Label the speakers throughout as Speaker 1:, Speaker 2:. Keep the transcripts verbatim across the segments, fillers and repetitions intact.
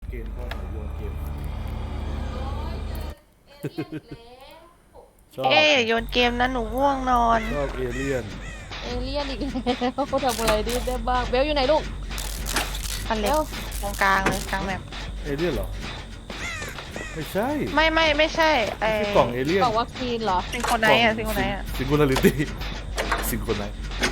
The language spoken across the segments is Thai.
Speaker 1: เกมเข้าหน่อยโยนเกมชอบ
Speaker 2: เอ๊ะโยนเกมนะหนูง่วงนอน
Speaker 1: ชอบเอเลี่ยน
Speaker 3: เอเลี่ยนอีกแล้วทำอะไรดีได้บ้างเบลอยู่ไหนลูก
Speaker 2: อัน
Speaker 3: เบ
Speaker 2: เล็ก
Speaker 3: ล
Speaker 2: ตรงกลางเลยกลางแบบ
Speaker 1: เอเลี่ยนเหรอไม่ใช่
Speaker 2: ไม่ไม่ไม่ใช่ไอ้
Speaker 1: ไม่ใช่กล่องเอเลี่ยน
Speaker 3: กล่องวัคซีนเหรอ
Speaker 2: ซิงโครไนท์อะซิงโครไนท์อะ
Speaker 1: ซิงคูลาริตี้ซิงคูลไนท์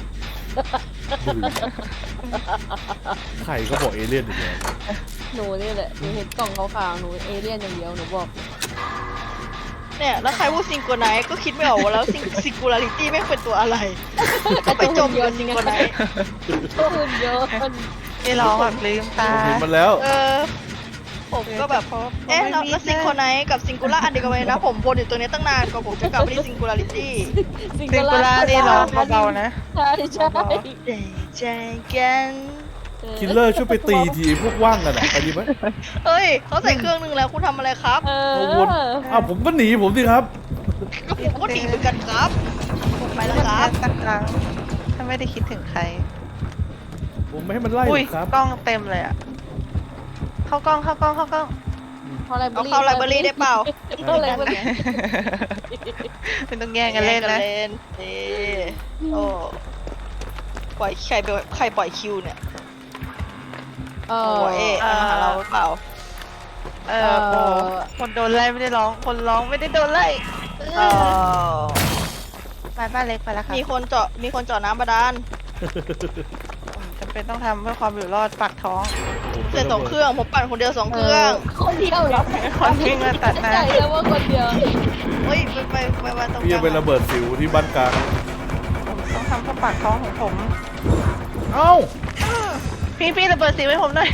Speaker 1: ใครก็บอกเอเลี่ยนอีกแล้ว
Speaker 3: หนูนี่แหละหนูเห็นกล่องขาวๆหนูเอเลี่ยนอย่างเดียวหนูบอก
Speaker 4: เนี่ยแล้วใครพูดซิงโกไนท์ก็คิดไม่ออกว่าแล้วซิงซิงคูลาริตี้ไม่งเป็นตัวอะไรก็ไปจมอยู่กับซิงโกไนท์
Speaker 3: ตัวหุ่นยนต์
Speaker 2: ที่ร้องแบบลืมตา
Speaker 1: ผมเห็นมันแล้ว
Speaker 4: เออผมก็แบบเอ๊ะแล้วแล้วซิงโกไนท์กับซิงคูล่าอันเดียวกันไหมนะผมวนอยู่ตัวนี้ตั้งนานกว่าผมจะกลับไปที่ซิงคูลาริตี้
Speaker 2: ซิงโครานี่ร้องเบาๆนะ
Speaker 3: ใช่ใช่
Speaker 4: ใจใจกัน
Speaker 1: คิลเลอร์ช่วยไปตีทีพวกว่างกันอ่ะไปดีไหม
Speaker 4: เฮ้ยเขาใส่เครื่องนึงแล้วคุณทำอะไรครับ
Speaker 3: เอ
Speaker 1: เอาวน
Speaker 3: อ
Speaker 1: อ้าวผมก็หนีผมสิครับ
Speaker 4: ก็ผมก็หนีเหมือนกันครับผมไปแล้วครับ
Speaker 2: สักครั้งถ้าไม่ได้คิดถึงใคร
Speaker 1: ผมไม่ให้มันไล่หร
Speaker 2: อุ้ย
Speaker 1: อกครับ
Speaker 2: กล้องเต็มเลยอะเข้ากล้องเข้ากล้องเข้ากล้อง
Speaker 3: เข้าไลบรา
Speaker 4: เอา
Speaker 3: รี
Speaker 4: เข้าไลบรารีได้เปล่า
Speaker 3: เข้าไลบรารี
Speaker 2: เป็นต้องแย่งกันเล่นนะ
Speaker 4: เล่นเอโอ้ปล่อยใครไปใครปล่อยคิวเนี่ย
Speaker 3: เอ
Speaker 4: โอ้
Speaker 3: อ
Speaker 4: เอ๊ะมาหาเราหรือเปล่า
Speaker 2: เออโอ้คนโดนไล่ไม่ได้ร้อง คนร้องไม่ได้โดนไล่
Speaker 4: เออ
Speaker 2: ไปบ้านเล็กไปแล้วค่ะ
Speaker 4: มีคนเจาะมีคนเจาะน้ำบาดาล
Speaker 2: จำเป็นต้องทำเพื่อความอยู่รอดปากท้อง
Speaker 4: เสร็จสองเครื่องผมปั่นคนเดียวสองเครื่อง
Speaker 3: คนเดียวเหรอ
Speaker 2: คนวิ่งมาตัดหน้า
Speaker 3: ใจแล้วว่าคนเดียว
Speaker 4: เฮ้ยไปไปไปไปตรงก
Speaker 1: พี่
Speaker 4: ลา
Speaker 1: จะ
Speaker 4: ง
Speaker 1: ไประเบิดสิวที่บ้านกลาง
Speaker 2: ผมต้องทำเพื่อปากท้องของผม
Speaker 1: เอ้า
Speaker 2: พี่พี่ระเบิดสีไว้ผมหน่อย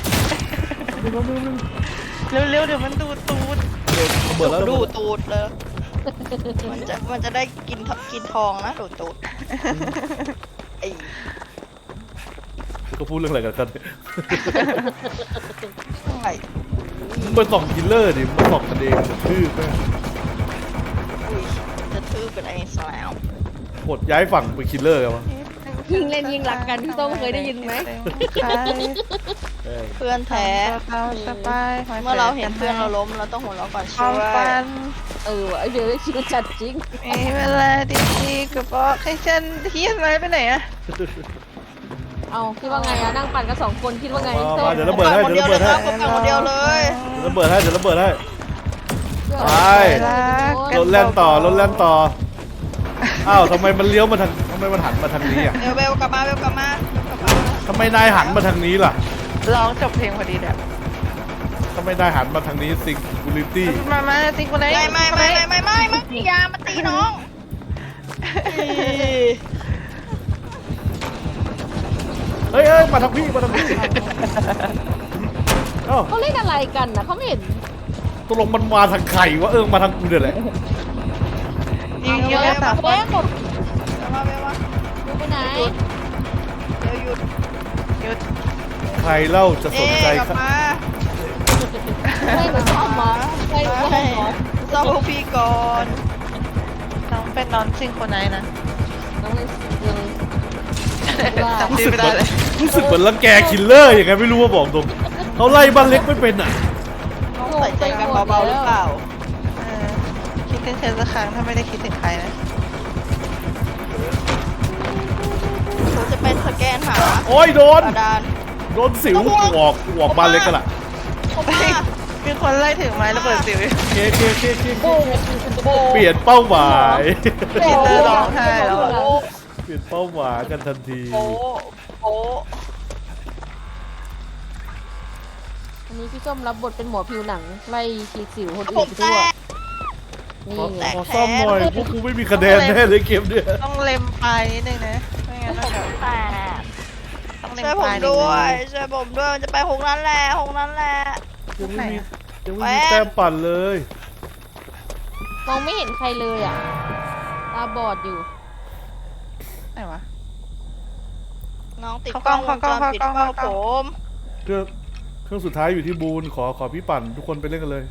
Speaker 2: เร็วๆเดี๋ยวมันดูดตูด
Speaker 1: ระเบิดแล้ว
Speaker 4: ดูดตูดเลยมันจะมันจะได้กินทกินทองนะดูดตูดไอ้
Speaker 1: ก็พูดเรื่องอะไรกันกันเนี่ย
Speaker 4: ไอ้
Speaker 1: มึงไปส่องคิลเลอร์ดิมึงส่องกันเองจะทื่อแม่ง
Speaker 4: อุ้ยจะทื่อเป็นไอ้สแลม
Speaker 1: กดย้ายฝั่งไปคิลเลอร์กันวะ
Speaker 3: ยิงเล่นยิงหลักกันพี่ต้องเคยได้ยินไหม
Speaker 1: เอ้ย
Speaker 4: เพื่อนแท้
Speaker 2: เราสบาย
Speaker 4: เมื่อเราเห็นเพื่อนเราล้มเราต้องหัวเราะก่อน
Speaker 2: ควา
Speaker 4: ช่
Speaker 2: ม
Speaker 4: วย
Speaker 2: ฝัน
Speaker 3: เออไอเบลได้ชิวจัดจริง
Speaker 2: มีเวลาดีๆก็บอกให้ฉันเฮียอะไรไปไหนอะ
Speaker 3: เอาคิดว่าไงอะนั่งปั่นกันสองคนคิดว่าไง
Speaker 1: มา
Speaker 3: ส้
Speaker 1: มาม เดี๋ยวระเบิดให้
Speaker 4: คน
Speaker 1: เดี๋ยว
Speaker 4: เดียว
Speaker 1: ระ
Speaker 4: เล
Speaker 1: เบิ
Speaker 4: ย
Speaker 1: ด
Speaker 4: ค
Speaker 1: ให้
Speaker 4: รับผมปั่นคนเดียวเลย
Speaker 1: เดี๋ยวระเบิดให้เดี๋ยวระเบิดให้ ไป
Speaker 2: รัก
Speaker 1: รถแล่นต่อรถแล่นต่ออ้าวทำไมมันเลี้ยวมาทางทำไมมันหันมาทางนี้อ่ะ
Speaker 4: เบลเบลกลับมาเบลกลับมาเบลกลับมา
Speaker 1: ทำไมนายหันมาทางนี้ล่ะ
Speaker 2: ร้องจบเพลงพอดีเลย
Speaker 1: ทำไมนายหันมาทางนี้ซิงคูลิตี้
Speaker 2: มามาสิคนไหน
Speaker 4: ไม่ไม่ไม่ไม่ไม่ไม่ไม่ไม่อยามาตีน้อง
Speaker 1: เฮ้ยเฮ้ยมาทางพี่มาทางพี่เอ้า
Speaker 3: เขาเล่นอะไรกันนะเขาไม่เห็น
Speaker 1: ตกลงมันมาทางใครวะเออมาทางกูเนี่ยแหละ
Speaker 2: ยิงเยอะ
Speaker 3: เบ
Speaker 2: สามค
Speaker 3: ล
Speaker 2: น
Speaker 3: หมด
Speaker 4: เบลมาเบลมา
Speaker 3: ดูไปไหน
Speaker 4: เบลหยุด
Speaker 2: หยุด
Speaker 1: ใครเล่าจะส
Speaker 4: เอ๊
Speaker 1: นใจ
Speaker 4: กลับ
Speaker 1: ครับ
Speaker 4: มา
Speaker 3: ให้หนูซ่อมหมอให้หนูซ่อมหมอ
Speaker 4: ซ่อมพวกพี่ก่อน
Speaker 2: น้องเป็นน้องซิงโครไนท์นะ
Speaker 3: น้องเลยเลยว่า
Speaker 2: จำชื่อไม่ได้เลย
Speaker 1: รู้สึกเหมือนรังแกคิลเลอร์อย่างไงไม่รู้ว่าบอกตรงเขาไล่บ้านเล็กไม่เป็นอ่ะ
Speaker 4: ต้องใส่ใจกันเบาๆหรือเปล่า
Speaker 2: เออคิดถึงเธอสักครั้งถ้าไม่ได้คิดถึงใครนะ
Speaker 4: ผมจะเป็นสแกนหา
Speaker 1: โอ้ยโดน
Speaker 4: บาดาล
Speaker 1: โดนสิวออกออกบ้านเล็กกันล่ะ
Speaker 4: ผมมา
Speaker 2: มีคนไล่ถือไม้ระเบิดสิว
Speaker 1: เคเคเคเค
Speaker 3: โบ้โบ้
Speaker 1: เปลี่ยนเป้าหมาย
Speaker 2: คิดเธอร้องไห้แล้วอะ
Speaker 4: โอ้
Speaker 1: เปลี่ยนเป้าหมายกันทันที
Speaker 4: โอ้โอ้
Speaker 3: อันนี้พี่ส้มรับบทเป็นหมอผิวหนังไล่ฉีดสิวคน
Speaker 4: ผ
Speaker 3: อื่น
Speaker 4: ม
Speaker 3: ไป
Speaker 4: แต
Speaker 3: ทั่ว
Speaker 4: ก
Speaker 3: นี่
Speaker 1: ขอ
Speaker 3: ไง
Speaker 1: ขอซ่อมหน่อยพวกกูไม่มีคะแนนแน่เลยเกมเนี่ย
Speaker 2: ต้องเล็มไปนิดนึงนะไม่งั้นมันแบบ
Speaker 3: แต่
Speaker 2: ต้องเล็ม
Speaker 4: ช่วย
Speaker 2: ไป
Speaker 4: ผม
Speaker 2: นิด
Speaker 4: ด้
Speaker 2: นึ
Speaker 4: วย
Speaker 2: ง
Speaker 4: ช่วยผมด้วยจะไปหกนั้นแหละหกนั้นแหละ
Speaker 1: ยังไม่มียังไม่
Speaker 4: แห
Speaker 1: มี
Speaker 4: วน
Speaker 1: แต้มปั่นเลย
Speaker 3: มองไม่เห็นใครเลยอ่ะตาบอดอยู่
Speaker 2: ไหนวะ
Speaker 4: น้องติด
Speaker 2: เข้าก ล้
Speaker 4: ล้
Speaker 2: อ
Speaker 4: อง งว
Speaker 2: เข้าง ก
Speaker 4: จ
Speaker 2: ล้อง
Speaker 4: รปิด
Speaker 2: เข้ากล้
Speaker 4: เฝ้า
Speaker 2: องเข้ากล้
Speaker 4: ผ
Speaker 2: อง
Speaker 4: ม
Speaker 1: เครื่องเครื่องสุดท้ายอยู่ที่บูนขอขอพี่ปั่นทุกคนไปเล่นกันเลย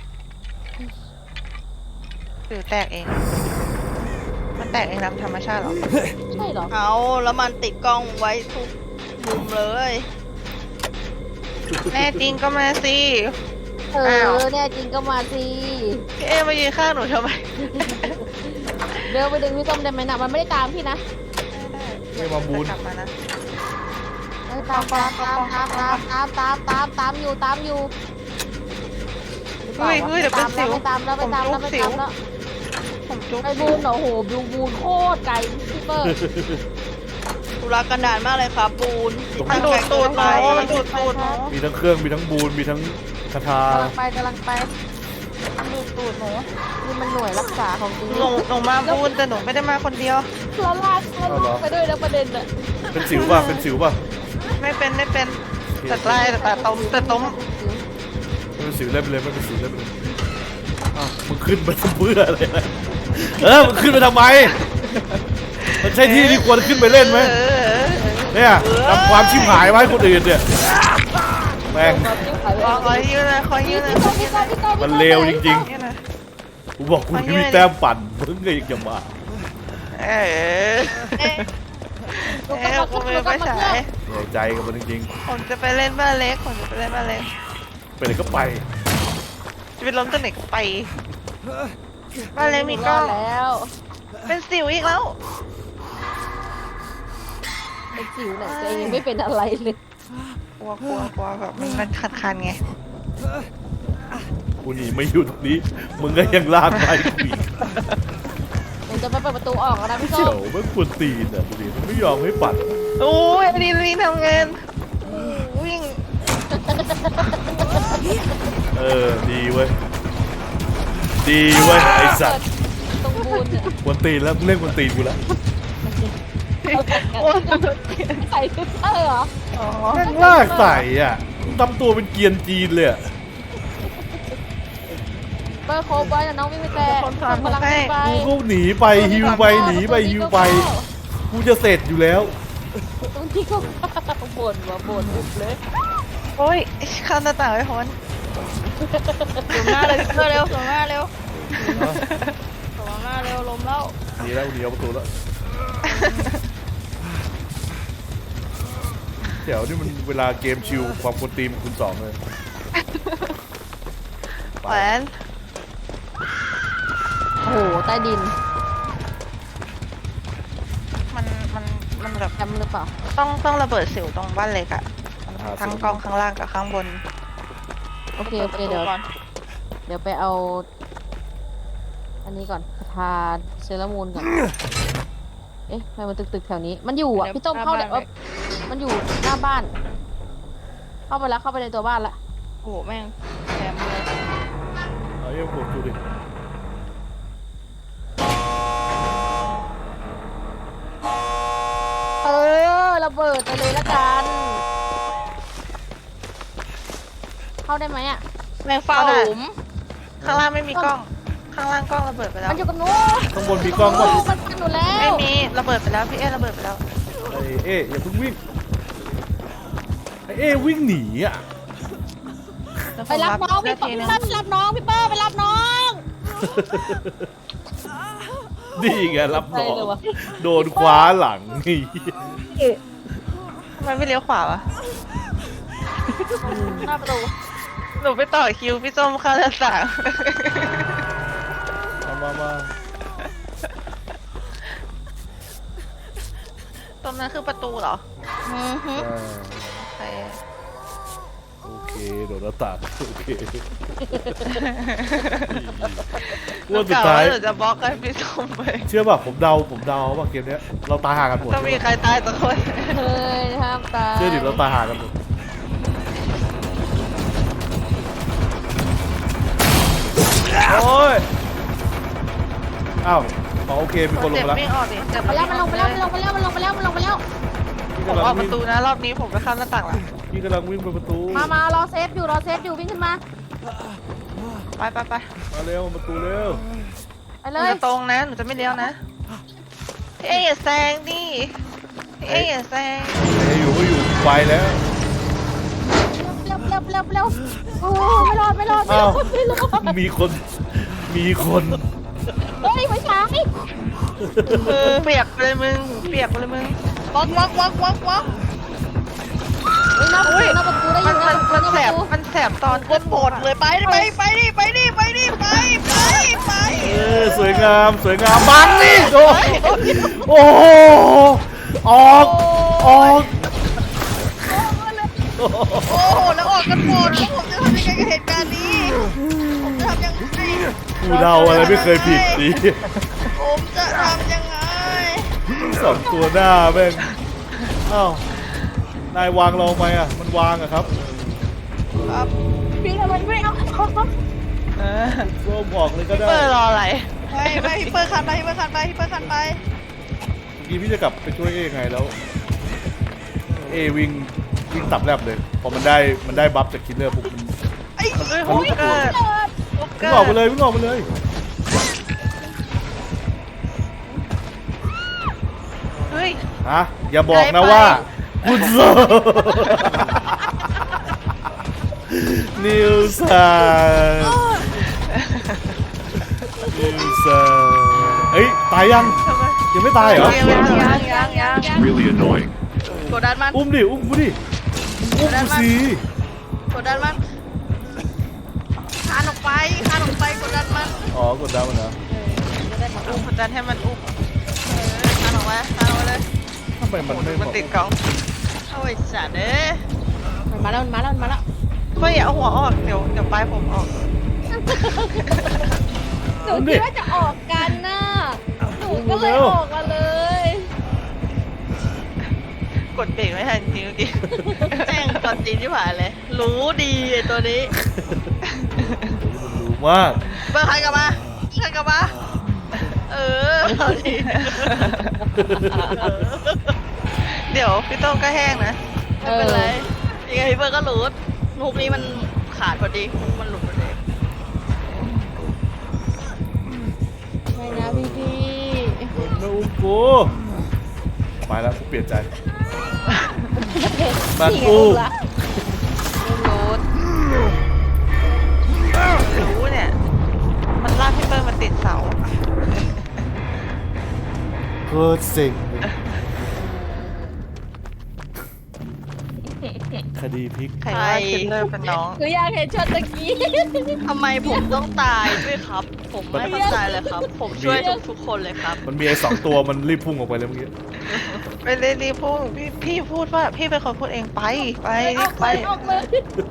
Speaker 2: หรือแตกเอง มันแตกเองตามธรรมชาติเหรอ
Speaker 3: ใช่เหรอ
Speaker 4: เอาแล้วมันติดกล้องไว้ทุกมุมเลย
Speaker 2: แน่จริงก็มาสิ
Speaker 3: เอ
Speaker 2: อ้าว
Speaker 3: อเนี่ยจริงก็มาสิ
Speaker 2: พี่เอ๊มายืนข้างหนูทำไม
Speaker 3: เดินไปดึงพี่ส้มได้ไหมนะมันไม่ได้ตามพี่นะ
Speaker 1: ไม่มาบูน
Speaker 2: กลับมานะ
Speaker 3: เออตามตามตามตามตามตามตามตามตามอยู่ตามอยู่
Speaker 2: เฮ้ยเฮ้ยเดี๋ยวเป็นสิว
Speaker 3: ไม่ตามแล้วไม่ตามแล้วไม่ตามแล้ว
Speaker 2: ผมจุ๊บ
Speaker 3: ไอ้บูนเหรอโหบูนบูนโคตรไกลพี่เปิ้ล
Speaker 4: ธุระกันดารมากเลยครับปูน
Speaker 2: มันดูดตูดหนูมันดูดตูดหนู
Speaker 1: มีทั้งเครื่องมีทั้งบูนมีทั้งคาถาก
Speaker 3: ำลังไปกำลังไป
Speaker 2: มันดูดตูดหนู
Speaker 3: นี่มันหน่วยรักษาของจริง
Speaker 2: หนูหนูมาบูนแต่หนูไม่ได้มาคนเดียว
Speaker 3: เราลากเราลากไปด้วยนะประเด็นอะ
Speaker 1: เป็นสิวป่ะเป็นสิวป่ะ
Speaker 2: ไม่เป็นไม่เป็นแต่ไล่แต่ต้มแต่ต้ม
Speaker 1: ไม่เป็นสิวเล่นไปเลยไม่เป็นสิวเล่นไปเลยอ้าวมึงขึ้นมาทำเพื่ออะไรนะเออมึงขึ้นไปทำไมมันใช่ที่ที่ควรขึ้นไปเล่นไหม
Speaker 2: เออ
Speaker 1: เนี่ยทำความชิบหายไว้คนอื่นเนี่ยแม่ง
Speaker 2: ขอขอยืนนะขอยืนนะขอยืนนะ
Speaker 1: มันเลวจริง
Speaker 2: ยืนนะ
Speaker 1: ๆกูบอกกูไม่มีแต้มปั่นมึงก็ยังจะมา
Speaker 2: เออ
Speaker 4: เอ๊ะ
Speaker 2: เอ๊ะกูไม่ไปฉาย
Speaker 1: เหนื่อยใจกับมันจริง
Speaker 2: ผมจะไปเล่นบ้านเล็กผมจะไปเล่นบ้านเล็ก
Speaker 1: ๆไปไหนก็ไป
Speaker 2: จะไปล้มตัวไหนก็ไปบ้านเล็กมีกล้อง
Speaker 3: แล้ว
Speaker 2: เป็นสิวอีกแล้ว
Speaker 3: เป็นสิวไหนตัวเองไม่เป็นอะไรเลย
Speaker 2: กลัวกลัวกลัวแบบมันคันคันๆไง
Speaker 1: กูหนีไม่อยู่ตรงนี้ มึงก็ยังลากไปกูอีก
Speaker 3: ผมจะไปเปิดประตูออกแล้วนะพี่ส้
Speaker 1: เจ๋
Speaker 3: ม
Speaker 1: วไม่ควรตีนอ่ะดูดิมันไม่ยอมให้ปัด
Speaker 2: โอ้ยอันนี้นี่ทำงานวิ่ง
Speaker 1: เออดีเว้ยดีเว้ยไอสัตว์
Speaker 3: ตรงบูนเนี่ย
Speaker 1: ควรตีนแล้วมึงเล่นควรตีนกูแล้ว
Speaker 2: โอ้ย
Speaker 3: ใส่ฟิลเตอร์เหรอ
Speaker 2: อ๋อ
Speaker 1: แม่งลากใส่อ่ะทำตัวเป็นเกรียนจีนเลยอะ
Speaker 3: เบอร์โคบอยน้องวิ่งไปแต่กำลังไป
Speaker 1: กูก็หนีไปฮิวไปหนีไปฮิวไปกูจะเสร็จอยู่แล้ว
Speaker 3: ตรงที่เขาบ่นว่าบ่นอุบเลย
Speaker 2: โอ้ยข้ามหน้าต่างไปพ้น
Speaker 4: สูงหน้าเลยเพื่อเร็วสูงหน้าเร็วสูงหน้าเร็วลมแล้ว
Speaker 1: หนีแล้วหนีเอาประตูแล้วเดี๋ยวนี่มันเวลาเกมชิวความควรตีมคูณสองเลย
Speaker 2: แหวน
Speaker 3: โอ้โหใต้ดิน
Speaker 2: มันมันมันแบบ
Speaker 3: แคมป์หรือเปล่า
Speaker 2: ต้องต้องระเบิดสิวตรงบ้านเล็กอะทั้งกองข้างล่างกับข้างบน
Speaker 3: โอเคโอเคเดี๋ยวเดี๋ยวไปเอา อันนี้ก่อนคาทาเซรามูนก่อน เอ๊ะทำไมมันตึกๆแถวนี้ มันอยู่อ่ะพี่ต้มเข้าเนี่ยเอ้ยมันอยู่หน้าบ้าน เข้าไปแล้วเข้าไปในตัวบ้านละ
Speaker 4: โอ้โหแม่งแถมเลย
Speaker 1: เอาเยี่ยมผมดูดิ
Speaker 3: เออระเบิดไปเลยละกัน เข้าได้ไหมอ่ะ
Speaker 4: แม่งเฝ้าหลุม
Speaker 2: ข้างล่างไม่มีกล้อง ข้างล่างกล้องระเบิดไปแล้ว
Speaker 3: มันอยู่กับหนู
Speaker 1: ข้างบนมีกล้องป่ะ
Speaker 3: มันมันหนูแล้ว
Speaker 2: ไม่มีระเบิดไปแล้วพี่เอ๊ระเบิดไปแล้ว
Speaker 1: ไอ้เอ๊ะอย่าเพิ่งวิ่งไอ้เอ๊ะวิ่งหนีอ่ะ
Speaker 3: ไปรับน้องพี่เปิ้ล
Speaker 2: ทีนึง
Speaker 3: ไปรับน้องพี่เปิ้ลไปรับน้อง
Speaker 1: นี่ไงรับน้อง
Speaker 3: ใช่เลยวะ
Speaker 1: โดนคว้าหลังนี่
Speaker 2: ทำไมไม่เลี้ยวขวาวะ
Speaker 3: หน้าประตู
Speaker 2: หนูไปต่อคิวพี่ส้มเข้าหน้าต่าง
Speaker 1: มามามา
Speaker 2: ตรงนั้นคือประตูเหรอ
Speaker 4: อือฮึ
Speaker 1: อ่า
Speaker 2: โอเค
Speaker 1: โอเคโดนหน้าต่างโอเค
Speaker 2: หนู
Speaker 1: ว่าสุด
Speaker 2: กะ
Speaker 1: ท้าย
Speaker 2: ว่าหนูจะบล็อกให้พี่ส้มไป
Speaker 1: เชื่อป่ะผมเดาผมเดาว่าเกมเนี้ยเราตายห่างกันหมด
Speaker 2: ต้องมีใครตายสักคน
Speaker 3: เฮ้ยห้ามตาย
Speaker 1: เชื่อดิเราตายห่างกันหมดโอ้ยอ้าวอ๋อโอเคมีคนลง
Speaker 2: เจ็บ
Speaker 1: มาแล้ว
Speaker 2: วิ่งออกดิเจ็บ
Speaker 3: ไปแล้วมันลงไปแล้วมันลงไปแล้วมันลงไปแล้วมันลงไปแล้ว
Speaker 1: พี่
Speaker 2: ผม
Speaker 1: กำ
Speaker 2: อ
Speaker 1: ลั
Speaker 2: อง กป
Speaker 1: วิ่
Speaker 2: ระ
Speaker 1: ง
Speaker 2: ตูนะรอบนี้ผมไปข้ามหน้าต่างละ
Speaker 1: พี่กำลังวิ่งไปประตู
Speaker 3: มามารอเซฟอยู่รอเซฟอยู่วิ่งขึ้นมา
Speaker 2: ไปไปไป
Speaker 1: มาเร็วประตูเร็ว
Speaker 3: ไป
Speaker 2: ห
Speaker 3: เล
Speaker 2: นู
Speaker 3: ย
Speaker 2: จะตรงนะหนูจะไม่เลี้ยวนะพี่เอ๊อย่าแซงดิพี่เอ๊อย่าแซง
Speaker 1: เอ้ยอยู่ก็อยู่ไปแล้ว
Speaker 3: เร็วเร็วเร็วเร็วโอ้ไม่รอดไม่รอดไม่ร
Speaker 1: อ้า
Speaker 3: อ
Speaker 1: ว
Speaker 3: ดไม่รอด
Speaker 1: มีคนมีคน
Speaker 3: เฮ้ยไม่ใช่
Speaker 2: เออเปียกเลยมึงเปียกเลยมึง
Speaker 4: วักวักวักวักวัก
Speaker 3: เฮ้ยหน้าประตูหน้าประตูได้
Speaker 2: มั
Speaker 3: ยิ
Speaker 2: น
Speaker 3: น
Speaker 2: มันมันแสบ
Speaker 3: หาประตู
Speaker 2: มันแสบตอน
Speaker 4: โคตรโหดเลยไปไปไปดิไปดิไปดิไปไปไป
Speaker 1: เออสวยงามสวยงามบังนี่โอ้โอ้โหออกออก
Speaker 4: โอ้โหแล้วออกกันหมดแล้วผมจะทำยังไงกับเหตุการณ์นี้ผมจะทำยังไง
Speaker 1: กูเดาอะไรไม่เคยผิดดิ
Speaker 4: ผมจะทำยังไง
Speaker 1: สองตัวหน้าแม่งอ้าวนายวางเราไหมอ่ะมันวางอะครับ
Speaker 4: ครับ
Speaker 3: พี่ทำไมไม่เอา
Speaker 2: เออ
Speaker 1: ร่วมออกเลยก็ได้
Speaker 2: เปิดรออะไร
Speaker 4: ไปไปฮิปเปอร์คันไปฮิปเปอร์คันไปฮิปเปอร์คันไป
Speaker 1: เมื่อกี้พี่จะกลับไปช่วยเอไงแล้วเอวิ่งวิ่งตับแลบเลยพอมันได้มันได้บัฟจากคิลเลอร์ปุ๊บมัน
Speaker 4: ไอ้
Speaker 2: เฮ้ย
Speaker 1: มันรู้
Speaker 2: เกิด
Speaker 1: วิ่งออกไปเลยวิ่งออกไปเลย
Speaker 2: เฮ้ย
Speaker 1: ฮะอย่าบอกนะว่าคุณโซนิวซันนิวซันเฮ้ยตายยัง
Speaker 2: ทำไม
Speaker 1: ยังไม่ตายเหรอ
Speaker 2: ยังยังยังยังยัง
Speaker 5: Really annoying.
Speaker 4: กดดันมัน
Speaker 1: อุ้มดิอุ้มกูดิอุ้มกูสิ
Speaker 4: กดดันมันคานออกไปคานออกไปกดดันมัน
Speaker 1: อ๋อกดดาวมันเหรอ
Speaker 2: อุ้มกดดันให้มันอุ้ม
Speaker 4: เออคานออกไปคานออกไปเลย
Speaker 1: ทำไมมันไม่
Speaker 2: มันติดกล่อง
Speaker 4: โอ้ยสัตว์เอ้ย
Speaker 3: มันมาแล้วมันมาแล้วมันมาแล้ว
Speaker 2: เฮ้ยอย่าเอาหัวออกเดี๋ยวเดี๋ยวปลายผมออก
Speaker 3: หนูคิดว่าจะออกกันน่ะหนูก็เลยออกมาเลย
Speaker 2: กดเบรกไม่ทันจริงเมื่อกี้
Speaker 4: แจ้งตอนจีนที่ผ่านเลย รู้ดีไอ้ตัวนี้
Speaker 1: มันรู้มาก
Speaker 4: เบิร์ใครกลับมาใครกลับมาเออเอาดิ
Speaker 2: เดี๋ยวพี่โต้งก็แห้งนะ
Speaker 4: ไม่เป็นไรยังไงพี่เบิร์ก็หลุดลูกนี้มันขาดพอดีมันหลุดพอดี
Speaker 3: ไม่นะพี่พี่
Speaker 1: มันไม่อุ้มกูไปแล้วกูเปลี่ยนใจมันอุ้ม
Speaker 2: รู้รู้เนี่ย มันลากพี่เปิ้ลมาติดเสา
Speaker 1: เกิดสิ่งคดีพลิก
Speaker 2: ใครว่าคิดเลอร์เป็นน้อง
Speaker 3: หนูอยากเห็นช็อตตะกี้
Speaker 4: ทำไมผมต้องตายด้วยครับ ผมไม่เข้าใจเลยครับ ผมช่วยทุกทุกๆคนเลยครับ
Speaker 1: มันมีไอ้สองตัวมันรีบพุ่งออกไปเลยเมื่อกี้
Speaker 2: ไปเลยรีบพูดพี่พี่พูดว่าพี่เป็นคนพูดเองไปไป
Speaker 3: อ
Speaker 2: รี
Speaker 3: อบ ก
Speaker 2: ไป
Speaker 3: เลยออกเลย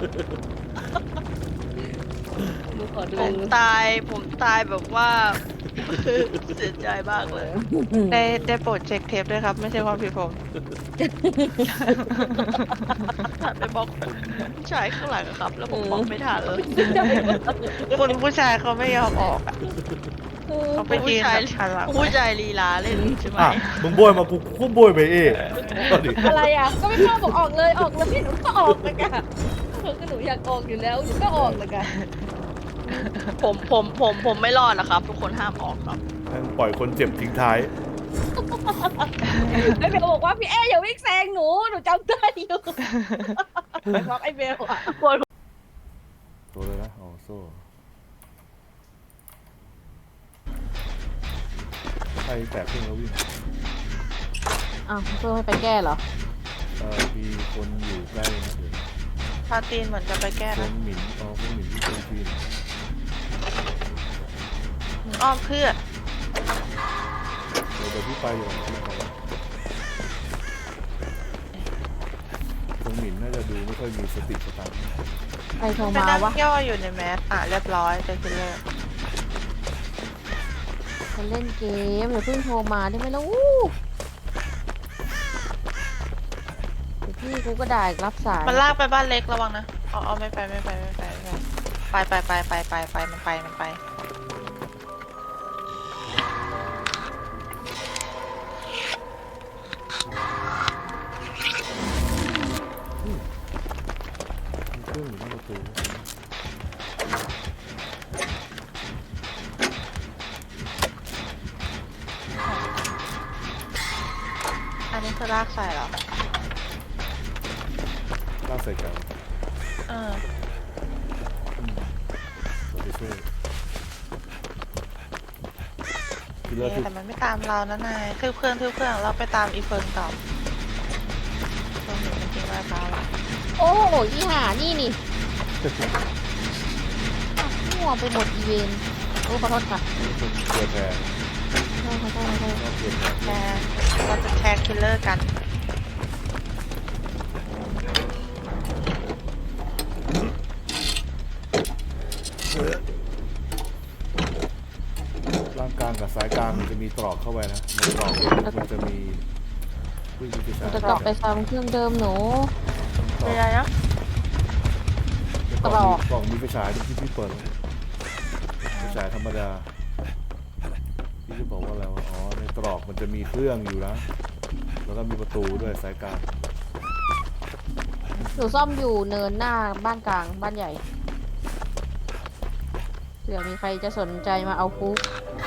Speaker 3: หนูขอดู
Speaker 4: ผมตาย ผมตายแบบว่า เสียใจมากเลย
Speaker 2: ได้ได้โปรดเช็คเทปด้วยครับ ไม่ใช่ความผิดผม
Speaker 4: หันไปบอกผู้ชายข้างหลังอะครับ แล้วผมบอกไม่ทันเลย
Speaker 2: คุณผู้ชายเขาไม่ยอมออกอ่ะเขาไป
Speaker 4: ผู้
Speaker 2: ยืน
Speaker 4: ชาย
Speaker 2: แบบหันหลัง
Speaker 4: ผู้ชายลีลาเล่นใช่ไหม
Speaker 1: อ่ะมึงโบยมากูกูโบยไปเองก็ดิ
Speaker 3: อะไรอ่ะ ก็ไม่ชอบบอกออกเลยออกแล้วพี่หนูก็ออกเลยค่ะก็หนูอยากออกอยู่แล้วหนูก็ออกเลยค่ะ
Speaker 4: ผมผมผมผมไม่รอดนะครับ ทุกคนห้ามออกครับ
Speaker 1: แม่งปล่อยคนเจ็บทิ้งท้าย
Speaker 3: ไอเบลบอกว่าพี่แอร์อย่าวิ่งแซงหนูหนูจำได้อยู่บอกไอเบลอ่ะ
Speaker 1: ตัวเลยนะอ๋อโซ่ใครแตกขึ้นแล้ววิ่ง
Speaker 3: อ้าวเพื่อให้ไปแก้เหรอ
Speaker 1: เออมีคนอยู่ใกล้นะเดี๋ยว
Speaker 2: พาตีนเหมือนจะไปแก้
Speaker 1: ค
Speaker 2: นะ
Speaker 1: นหมิ่นอ๋อคนหมิ่นที่คนจีน
Speaker 2: มึงอ้อมเพื่อ
Speaker 1: เดี๋ยวเดี๋ยวพี่ไปอยู่พี่ไปคนหมิ่นน่าจะดูไม่ค่อยมีสติสตังค์
Speaker 3: ใครโทร
Speaker 2: ไป
Speaker 3: มา
Speaker 2: นั่ง
Speaker 3: วะ
Speaker 2: ย่ออยู่ในแมสอ่ะเรียบร้อยเจอคิลเลอร์
Speaker 3: ฉันเล่นเกมอย่าเพิ่งโทรมาได้ไหมล่ะอู้เดี๋ยวพี่กูก็ด่าอีกรับสาย
Speaker 2: มันลากไปบ้านเล็กระวังนะอ๋ออ๋อไม่ไปไม่ไปไม่ไปไม่ไปไปไปไปไปไปมันไปมันไป
Speaker 1: มีเครื่องอยู่หน้าประตู
Speaker 2: อันนี้คือลากใส่เหรอ
Speaker 1: ลากใส่กัน
Speaker 2: เออ
Speaker 1: เราไปช่วยคิลเลอ
Speaker 2: เอ๊ะ
Speaker 1: ร์คือ
Speaker 2: แต่มันไม่ตามเรานะนายทืบเครื่องทืบเครื่องเราไปตามอีเฟิร์นต่อตรงนี้จริงๆว่าตามเรา
Speaker 3: โอ้โหยี่ห้านี่นี่มั่วไปหมดอีเวนต์โอ้ขอโทษค่ะ
Speaker 1: เกิดแพ้
Speaker 3: ขอโทษขอโทษขอโทษ
Speaker 1: ก็เกิดแพ้
Speaker 2: แชร์เราจะแชร์คิลเลอร์กัน
Speaker 1: ร่างกลางกับสายกลางมันจะมีตรอกเข้าไปนะในตรอกมันจะมีผู้วิชา
Speaker 3: เราจะกลับไปซ้ำเครื่องเดิมหนู
Speaker 2: เป็นไรนะ
Speaker 1: กล่องกล่องมีไฟฉายที่พี่เปิดไฟฉายธรรมดาพี่จะบอกว่าอะไรวะอ๋อในตรอกมันจะมีเครื่องอยู่นะแล้วก็มีประตูด้วยสายกลาง
Speaker 3: หนูซ่อมอยู่เนินหน้าบ้านกลางบ้านใหญ่เผื่อมีใครจะสนใจมาเอาฟุก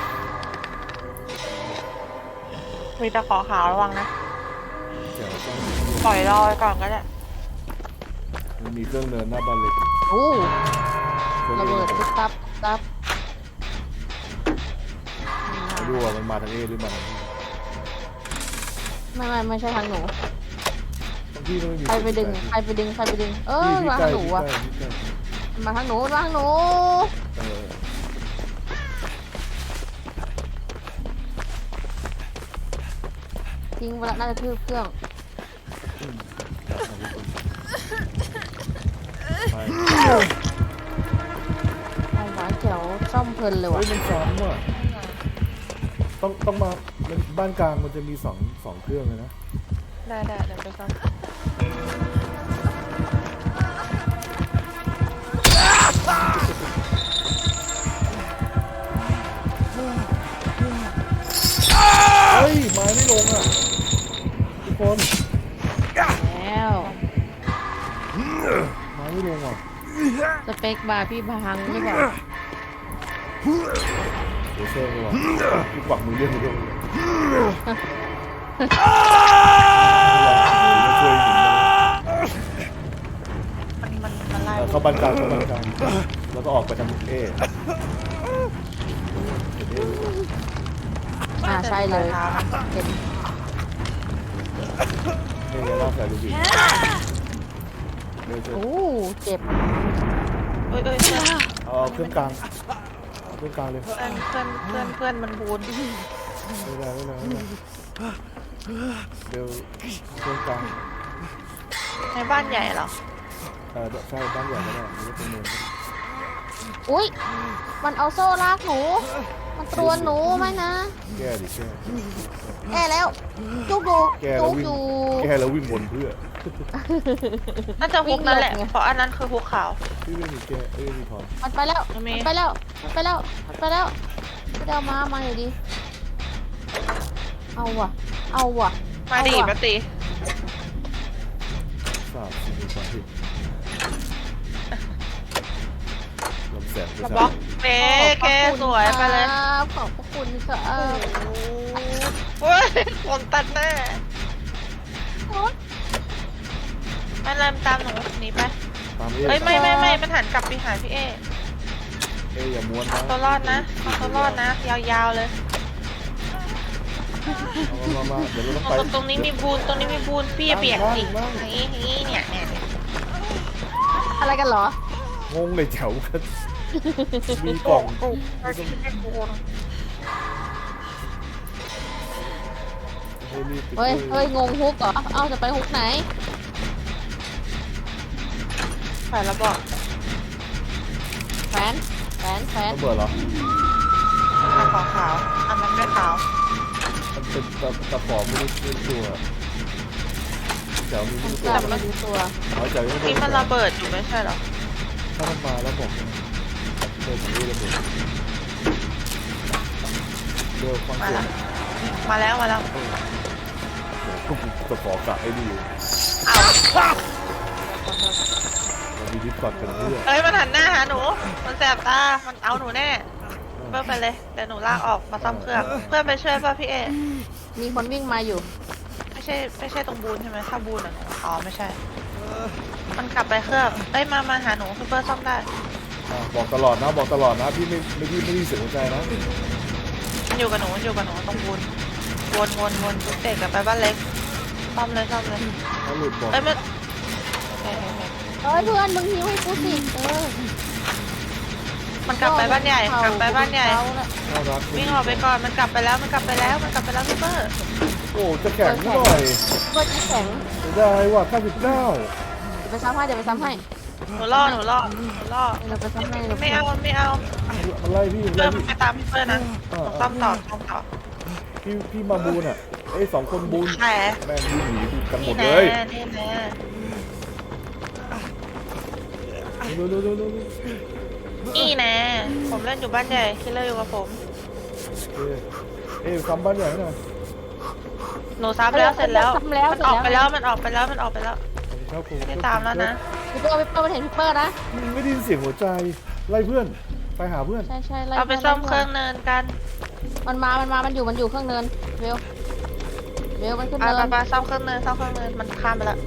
Speaker 2: มีตะขอขาวระวังนะ
Speaker 1: แจ๋วต้อง
Speaker 2: ปล่อยรอไว้ก่อนก็ได้
Speaker 1: มันมีเครื่องเนินหน้าบ้านเล็ก
Speaker 3: โอ้
Speaker 1: เครื่อง
Speaker 3: ระ
Speaker 1: เนิ
Speaker 3: เบิ
Speaker 1: น
Speaker 3: ดตุ๊บตับตับ
Speaker 1: ไม่รู้ว่ามันมาทางเอหรือมาทางบี
Speaker 3: ไม่ไม่ไม่ใช่ทางหนู
Speaker 1: บางที่ก็ไม่มี
Speaker 3: ใครไปดึงใครไปดึงใครไปดึงเออ
Speaker 1: พี่
Speaker 3: มา
Speaker 1: ใกล้
Speaker 3: ทางหนู
Speaker 1: พี่
Speaker 3: อะ
Speaker 1: ใกล้พี่ใกล้
Speaker 3: มาทางหนูมาทางหนู
Speaker 1: เออ
Speaker 3: ทิ้งไปแล้วน่าจะทืบเครื่อง
Speaker 1: ไป
Speaker 3: เอาหวานเขียวซ่อมเพลินเลย
Speaker 1: เฮ้
Speaker 3: ว่ะ
Speaker 1: ยมันซ้ำว่ะต้องต้องมาบ้านกลางมันจะมีสองสองเครื่องเลยนะ
Speaker 2: ได้ได้เดี๋ยวไปซ้อม
Speaker 1: เฮ้ยไม้ไม่ลงอ่ะทุกคน
Speaker 3: แล้ว
Speaker 1: ไม้ไม่ลงอ่ะ
Speaker 3: สเปคบาร์พี่พังหรือเปล่า
Speaker 1: เดี๋ยวเชิญเลยว่ะพี่ปักมือเรียกมือด้วยช่วยหญิง
Speaker 2: มันมันมันไล่
Speaker 1: เข้าบ้านกลางเข้าบ้านกลางแล้วก็ออกไปทางเอ
Speaker 3: อ่าใช่เลยเห็น
Speaker 1: เอเนี่ยล่าใส่ลูกบิดเดี๋ยวเชิญ
Speaker 3: โอ้เจ็บ
Speaker 2: เอ้ยเอ้ยเพื่อน
Speaker 1: เอาเครื่องกลางเอาเครื่องกลางเลย
Speaker 2: เพื่อนเพื่อนเพื่อนเพื่อนมันบูน
Speaker 1: ไม่ได้ไม่ได้ไม่ได้เดี๋ยวเครื่องกลาง
Speaker 2: ในบ้านใหญ่เหรอ
Speaker 1: เออใช่บ้านใหญ่ก็ได้หรือว่าเป็นเมืองก็ได้
Speaker 3: อุ้ยมันเอาโซ่ลากหนูมันตรวนหนูไหมนะ
Speaker 1: แก้ดิแก้
Speaker 3: แก้แล้วจุกดู
Speaker 1: แก้แล้
Speaker 3: จุ
Speaker 1: ว
Speaker 3: ก
Speaker 1: วิ่ง
Speaker 3: ดู
Speaker 1: แก้แล้ววิ่งวนเพื่อ
Speaker 2: น่าจะฮุกนั่นแหละ
Speaker 3: วิ่งหลบไง
Speaker 2: เพราะอันนั้นคือฮุกขาว
Speaker 1: พี่ไม่มีแก้เอ้ยมีทอน
Speaker 3: มันไปแล้ว
Speaker 2: มันมี
Speaker 3: มันไปแล้วมันไปแล้วมันไปแล้วไม่ได้เอามามาหน่อยดิเอาว่ะเอาว่ะ
Speaker 2: มาดี
Speaker 3: เอว่ะ
Speaker 2: มาตี
Speaker 1: ทราบสิ่งที่ความผิดลำแสงประ
Speaker 2: บ
Speaker 1: ชา
Speaker 2: ล็อกเป๊ะแกสวยไปเลย
Speaker 3: ครับขอบพระคุณครับ
Speaker 2: โอ้ยคนตัดหน้าไม่เริ่มตามหนูหนีไป
Speaker 1: ตามเอ
Speaker 2: เอ้ยไม่ไม่ไม่มันหันกลับไปหาพี่เอ
Speaker 1: เอ้ยอย่าม้วนนะ
Speaker 2: ตัวรอดนะเอาตัวรอดนะ ยาวๆเลย
Speaker 1: เอามามาเดี๋ยวเราต้องไป
Speaker 2: ตรงตรงนี้มีบูนตรงนี้มีบูนพี่อย่าเบียดสิ
Speaker 1: นั่ง
Speaker 2: อย่างนี้อย่างนี้เนี่ยเนี่ยเนี่ย
Speaker 3: อะไรกันเหรอ
Speaker 1: งงเลยแถวกันมีกล่อง
Speaker 2: โอ้ไอ้ที่เป็นบูน
Speaker 1: เฮ้ยรีบไป
Speaker 3: เฮ้ย
Speaker 1: ช่
Speaker 3: เฮ้ย งงฮุกเหรอ เอาจะไปฮุกไหน
Speaker 2: ใส่แล้วบอก
Speaker 3: แฟนแฟนแฟน
Speaker 1: ระเบิดเหรอ
Speaker 2: อันขาวขาวอันนั้นไม่ขาว
Speaker 1: มันเป็นตะตะปอบไม่ได้เป็นตัวแถวมีไม่
Speaker 3: ก
Speaker 1: ได้
Speaker 3: ลับ
Speaker 1: ตัว
Speaker 3: มาดูตัว
Speaker 1: เอาแถวยังไม่
Speaker 2: นี่
Speaker 1: เป็
Speaker 2: มันระเบิดอยู่ไม่ใช่เหรอ
Speaker 1: ถ้ามันมาแล้วบอกนะเดินถึงนี่ระเบิดเร็วฟัง
Speaker 2: มา
Speaker 1: เสีย
Speaker 2: แล้
Speaker 1: ง
Speaker 2: วมาแล้วมาแล้ว
Speaker 1: ก็ตะปอบกะให้ดีอยู่
Speaker 2: อ้าว
Speaker 1: เรามีดิสคอร์ดเป็นเพื่อน
Speaker 2: เอ้ยมันหันหน้าหาหนู มันแสบตา มันเอาหนูแน่เพื่อนไปเลยเดี๋ยวหนูลากออกมาซ่อมเครื่องเพื่อนไปช่วยป่ะพี่เอ
Speaker 3: มีคนวิ่งมาอยู่
Speaker 2: ไม่ใช่ไม่ใช่ตรงบูนใช่ไหมถ้าบูนอ่ะหนูอ๋อไม่ใช่ มันกลับไปเครื่องเอ้ยมามาหาหนูพี่เพื่อนซ่อมได้
Speaker 1: อ่ะบอกตลอดนะบอกตลอดนะพี่ไม่ไม่พี่ไม่ได้เสียหัวใจนะ
Speaker 2: มันอยู่กับหนูมันอยู่กับหนูตรงบูนวนวนวนจุดเด็กกลับไปบ้านเล็กซ่อมเลยซ่อมเลย
Speaker 1: ถ้าหลุดบอก
Speaker 2: เอ้ยมันโอเค
Speaker 3: เอ้ยเพื่อนมึงหิวให้กูสิเออ
Speaker 2: มันกลับไปบ้านใหญ่กลับไปบ้านใหญ่
Speaker 3: เขาน่ะ
Speaker 1: น่ารัก
Speaker 2: วิ่งออกไปก่อนมันกลับไปแล้วมันกลับไปแล้วมันกลับไปแล้วพี่เปอร์
Speaker 1: โอ้จะแข็งหน่อย
Speaker 3: เบิร์ดแข็ง
Speaker 1: เสียดายว่ะเก้าสิบเก้า
Speaker 3: เดี๋ยวไปซ้ำให้เดี๋ยวไปซ้ำให้
Speaker 2: หนูล่อหนูล่อหนูล่อ
Speaker 3: เดี๋ยวไปซ้ำให้ดี๋ยว
Speaker 2: ไม่เอาไม่เอา
Speaker 1: มันไล่พี่มัน
Speaker 2: เริ่
Speaker 1: ไล่
Speaker 2: ม
Speaker 1: พี่
Speaker 2: ไปตามพี่เปอร์นะต้องซ่อมต่อซ่อมต่อ
Speaker 1: พี่พี่มาบูนอ่ะไอ้ยสองคนบูน
Speaker 2: แผล
Speaker 1: แม่งวิ่งหนีกันหม
Speaker 2: นี่
Speaker 1: ด
Speaker 2: แน่
Speaker 1: เลย
Speaker 2: นี่แน่
Speaker 1: เร็วเร็วเร็วเร็วเร็ว
Speaker 2: นี่แน่ผมเล่นอยู่บ้านใหญ่คิลเลอร์อยู่กับผม
Speaker 1: เอ้ยเอ้ยซ้ำบ้านใหญ่หน่อย
Speaker 2: หนูซับแล้วเสร็จแล้ว
Speaker 3: ซ้ำแล้ว
Speaker 2: มันออกไปแล้วมันออกไปแล้วมันออกไปแล้ว
Speaker 1: ครับผม
Speaker 2: ไม่ตามแล้วนะ
Speaker 3: พี่เปอร์พี่เปอร์มันเห็นพี่เปอร์นะ
Speaker 1: ไม่ได้ยินเสียงหัวใจไล่เพื่อนไปหาเพื่อน
Speaker 3: ใช่ใช่ไล่
Speaker 2: เอาไป
Speaker 3: พื่น
Speaker 2: ซ่อม
Speaker 3: ล่
Speaker 2: เครื่องเนินกัน
Speaker 3: มันมา มันมา มันอยู่ มันอยู่เครื่องเนินเร็วเร็วมันขึ้น
Speaker 2: ไป
Speaker 3: เนิ
Speaker 2: ไป
Speaker 3: น
Speaker 2: ไปซ่อมเครื่องเนินซ่อมเครื่องเนินมันข้ามไปแล้ว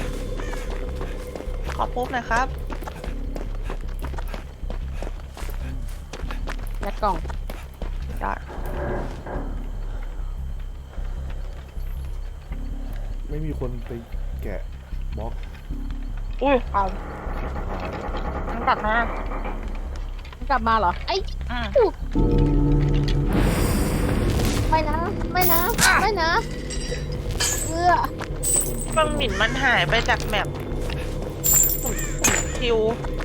Speaker 2: ขอปุ๊บหน่อยครับ
Speaker 3: ยัดกล่อง
Speaker 2: ยอด
Speaker 1: ไม่มีคนไปแกะบล็อก
Speaker 2: อุ้ยเอามันกลับมา
Speaker 3: มันกลับมาเหรอ ไอ้
Speaker 2: อืม
Speaker 3: อุ๊ยไม่นะ ไม่นะ ไม่นะเอื้อ
Speaker 2: บางหมิ่นมันหายไปจากแมปคิว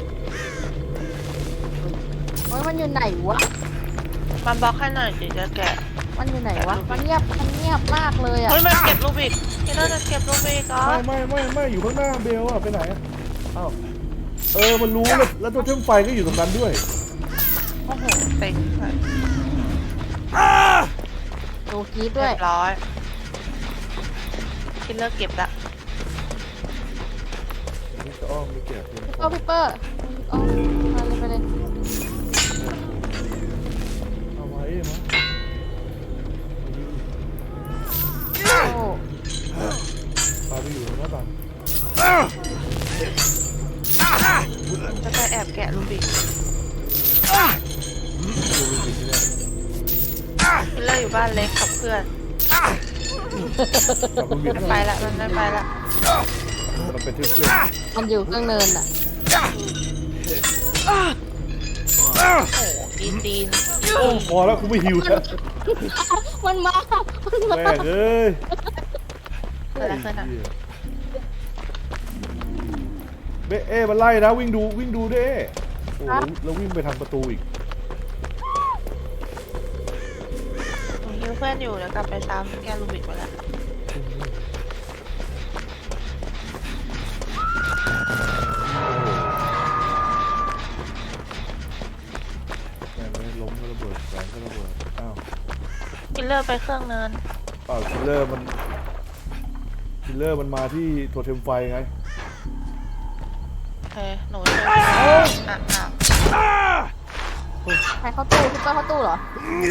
Speaker 3: โอ้ยมันอยู่ไหนวะ
Speaker 2: มันบล็อกให้หน่อยจิจะแกะ
Speaker 3: มันอยู่ไหนวะ มันเงียบ มันเงียบมากเลยอ่ะ
Speaker 2: เฮ้ยมันเก็บลูบิกพี่น่าจะเก็บลูบิกอ๋อ
Speaker 1: ไม่ไม่ไม่ไม่อยู่ข้างหน้าเบลอะไปไหนอะอ้าวเออมันรู้แล้วแล้วตัวเชื่อมไฟก็อยู่ตรงนั้นด้วย
Speaker 2: โอ้โหเต็งเลย
Speaker 3: ดูกรีด
Speaker 2: เรี
Speaker 3: ด้วย
Speaker 2: ยบร้อยคิลเลอร์เก็บละ
Speaker 1: นี่จะอ้อมไปแกะเพื่อน
Speaker 3: พี่เปอร์พี่เปอร์อ๋อมาเลยไปเลย
Speaker 1: เอาไว้มั้ง
Speaker 3: โอ้
Speaker 1: พาไปอยู่หน้าต่าง
Speaker 2: จะไปแอบแกะลูบิก
Speaker 1: ดูดิที่แรก
Speaker 2: คิลเลอร์อยู่บ้านเล็กกับเพื่อน
Speaker 1: จับมันบิด
Speaker 2: มันไปละมันไม่ไปละ
Speaker 1: มันเป็นเพื่อน
Speaker 3: มันอยู่เครื่องเนินอ่ะ
Speaker 2: โอ้โหตีนตีน
Speaker 1: โอ้พอแล้วกูไม่หิวแล้ว
Speaker 3: มันมา มันมา
Speaker 1: แม่งเอ้ย
Speaker 2: เกิดอะไรขึ้นอ่ะ
Speaker 1: เบ้เอ้มันไล่นะวิ่งดูวิ่งดูด้วยเอ้โอ้แล้วแล้ววิ่งไปทางประตูอีก
Speaker 2: หนูฮิวเพื่อนอยู่เดี๋ยวกลับไปซ้ำแกลูบิกไปละ
Speaker 1: แม่งไม่ล้มก็ระเบิดแสงก็ระเบิดอ้าว
Speaker 2: คิลเลอร์ไปเครื่องเนิน
Speaker 1: อ้าวคิลเลอร์มันคิลเลอร์มันมาที่โทเทมไฟไง
Speaker 2: โอเคหนูช่วยอ่ะอ้าว
Speaker 3: ใครเข้าตู้พี่เปอร์เข้าตู้เหรอ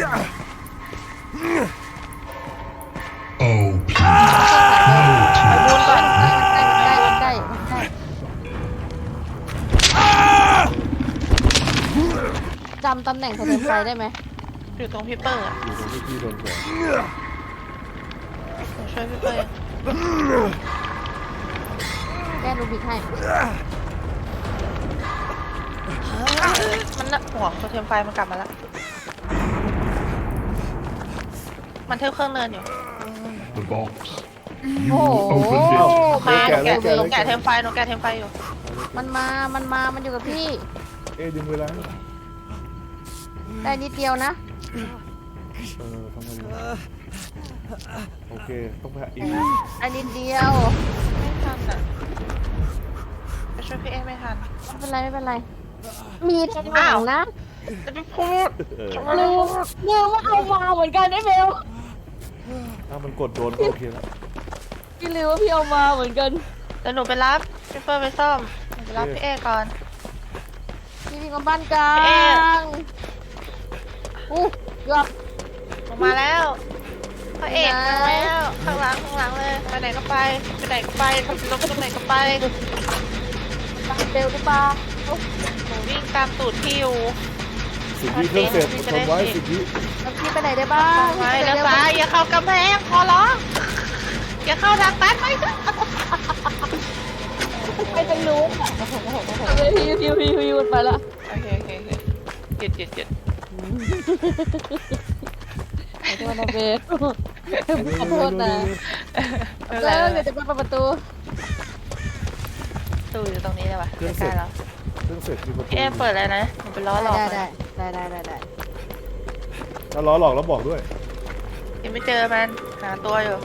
Speaker 5: Oh,
Speaker 2: ไปบูนก่อน
Speaker 3: ใกล้ใกล้ใกล้ใกล้จำตำแหน่งโทรเทมไฟได้ไหม
Speaker 2: อยู่ตรงพี่เปอร์อะ
Speaker 1: อยู่ตรงที่พี่โดนแขวน
Speaker 2: หนูช่วยพี่เปอร์
Speaker 3: แก้รูบิกให้
Speaker 2: มันน่ะห่วงโทรเทมไฟมันกลับมาแล้วมันเที่ยวเครื่องเนินอยู่
Speaker 5: the box.
Speaker 3: โอ้โห
Speaker 1: อ้าว
Speaker 2: มาห
Speaker 1: แกะ
Speaker 2: นู
Speaker 1: แล้
Speaker 2: แกะ
Speaker 1: วแกะ
Speaker 2: หนู
Speaker 1: แล้ว
Speaker 2: แกะเทมไฟหนูแกะเทมไฟอยู่
Speaker 3: มันมา มันมา มันอยู่กับพี่
Speaker 1: เอ้ดึงเวลาให้
Speaker 3: ได้นิดเดียวนะ
Speaker 1: เออทำไมอยู่โอเคต้องไปหาอีก
Speaker 3: ได้นิดเดียว
Speaker 2: ไม่ทันอ่ะไปช่วยพี่เอไม่ทัน
Speaker 3: ไม่เป็นไรไม่เป็นไร มีทางหลั
Speaker 2: อ้าว
Speaker 3: งนะ
Speaker 2: จะไปพูด
Speaker 1: เออ
Speaker 3: ลืมลืมว่าเอามาเหมือนกันไอ้เบล
Speaker 1: ถ้ามันกดโดนก็โอเคแล้ว
Speaker 3: พี่ลืมว่าพี่เอามาเหมือนกัน
Speaker 2: เดี๋ยวหนูไปรับพี่เปอร์ไปซ่อมหนูไปรับพี่เอก่อน
Speaker 3: พี่วิ่งมาบ้านกลา
Speaker 2: เอ๊ะ
Speaker 3: งอู้เกือบ
Speaker 2: ลงมาแล้วพระเอกมาแล้วข้างหลังข้างหลังเลยไปไหนก็ไปไปไหนก็ไปขับรถไปตรงไหนก็ไป
Speaker 3: บ้านเบลหรือเปล่า
Speaker 2: หนูวิ่งตามตูดพี่อยู่
Speaker 1: สิบวิเครื่องเสร็จทำไว้สิบวิ
Speaker 3: แล้วพี่ไปไหนได้บ้าง
Speaker 2: ไว้
Speaker 3: พี่
Speaker 2: แล้ว
Speaker 3: ปหน
Speaker 2: ซ้ายอย่าเข้ากำแพงขอร้องอย่าเข้าทางตันไปซะ
Speaker 3: ไปทางนู้นอ่ะไปพิวพิวพิวพิวไปละ
Speaker 2: โอเคโอเคโอเคหยุดหยุดหยุด
Speaker 3: ขอโทษนะเบสขอโทษนะ
Speaker 2: ไม่เป็นไร
Speaker 3: แล้ว
Speaker 2: ไม่
Speaker 3: เดี๋ยว
Speaker 2: เป็นไร
Speaker 3: จะไปเปิดประตู
Speaker 2: ตู้อยู่ตรงนี้เลยว่ะใกล้ๆแล้ว
Speaker 1: เครื่องเสร็จมีประตู
Speaker 2: พี่เอ็มเปิดเลยนะหนูเป็นล้อหลอก
Speaker 3: ได้
Speaker 2: มัน
Speaker 3: ได้ได้ได้ได้ได้
Speaker 1: ถ้าล้อหลอกแล้วบอกด้วย
Speaker 2: ยังไม่เจอมันหาตัวอยู่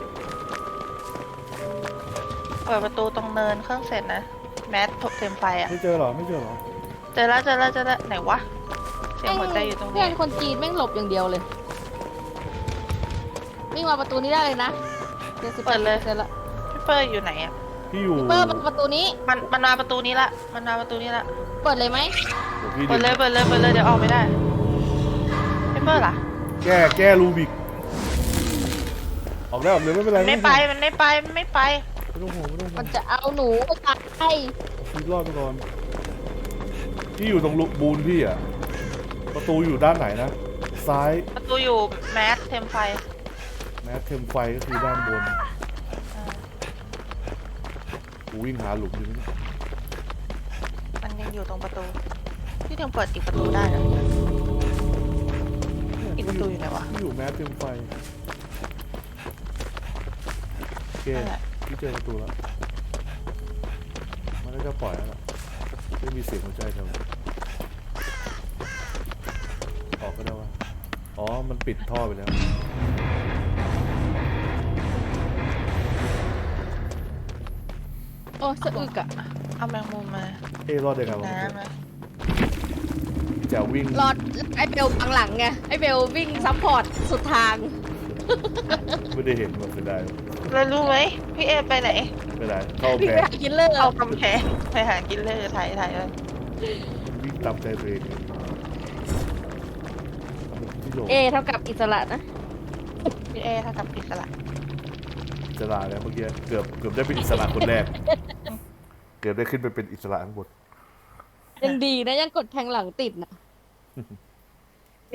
Speaker 2: เปิดประตูตรงเนินเครื่องเสร็จนะแมสถกเต็มไฟอ่ะ
Speaker 1: ไม่เจอเหรอไม่เจอเหรอ
Speaker 2: เจอแล้วเจอแล้วเจอแล้วไหนวะเสียงหัวใจอยู่ตรง
Speaker 3: เพื่
Speaker 2: นี้
Speaker 3: อนคนจีนแม่งหลบอย่างเดียวเลยวิ่งมาประตูนี้ได้เลยนะเดี๋ยวสิบเปอร์เซ็นต์ละ
Speaker 2: พี่เปิดอยู่ไหนอ่ะ
Speaker 1: พี่อยู่
Speaker 3: เปิดประตูนี้
Speaker 2: มันมันมาประตูนี้ละมันมาประตูนี้ละ
Speaker 3: เปิดเลยไหม
Speaker 1: เดี๋ยวพี่
Speaker 2: เปิดเลยเปิดเลยเปิดเลยเดี๋ยวออกไม่ได้พี่เปิดล่ะ
Speaker 1: แก้แก้รูบิกออกได้ออกเลยไม่เป็นไร
Speaker 2: มันไม่ไปมันไม่ไปมันไม่ไป
Speaker 1: ไม่ต้องห่วงไม่ต้องห่ว
Speaker 3: มั
Speaker 1: ง
Speaker 3: นจะเอาหนูไปตาย
Speaker 1: พี่รอดไปก่อนพี่อยู่ตรงลูกบูนพี่อ่ะประตูอยู่ด้านไหนนะซ้าย
Speaker 2: ประตูอยู่แมสเทมไฟ
Speaker 1: แม้เทมไฟก็คือด้านบนกูวิ่งหาหลุมอยู่นี่
Speaker 2: มันยังอยู่ตรงประตูพี่ยังเปิดอีกประตูได้เหรออีกประตูอยู่ไหนวะ
Speaker 1: พี่อยู่แม้เทมไฟโอเค
Speaker 2: นั่นแหละ
Speaker 1: พี่เจอประตูแล้วมันก็จะปล่อยแล้วล่ะไม่มีเสียงหัวใจเท่าออกก็ได้วะอ๋อมันปิดท่อไปแล้ว
Speaker 3: โอ้สะอึกอะ
Speaker 2: เอาแมงมุมมา
Speaker 1: เอ้รอดได้ไงวะ
Speaker 2: น้ำมา
Speaker 1: จะวิ่ง
Speaker 3: รอดไอเบลบังหลังไงไอเบลวิ่งซัพพอร์ตสุดทาง
Speaker 1: ไม่ได้เห็นมันไม่ได้
Speaker 2: แล้วรู้ไหมพี่เอไปไหน
Speaker 1: ไม่ได้เข้า
Speaker 3: วิ่ง
Speaker 1: แพ
Speaker 3: ไป
Speaker 1: ง
Speaker 3: หากินเลอร์
Speaker 2: เอากำแพงไปหากินเลยถ่ายถ่ายเลย
Speaker 1: วิ่งตามใจตัวเองที่โหล
Speaker 3: เอเท่ากับอิสระนะ
Speaker 2: พี่เอถ้ากับอิสระ
Speaker 1: อิสระแล้วเมื่อกี้เกือบเกือบได้เป็นอิสระคนแรก เกือบได้ขึ้นไปเป็นอิสระทั้งหมด
Speaker 3: ยังดีนะยังกดแทงหลังติดนะ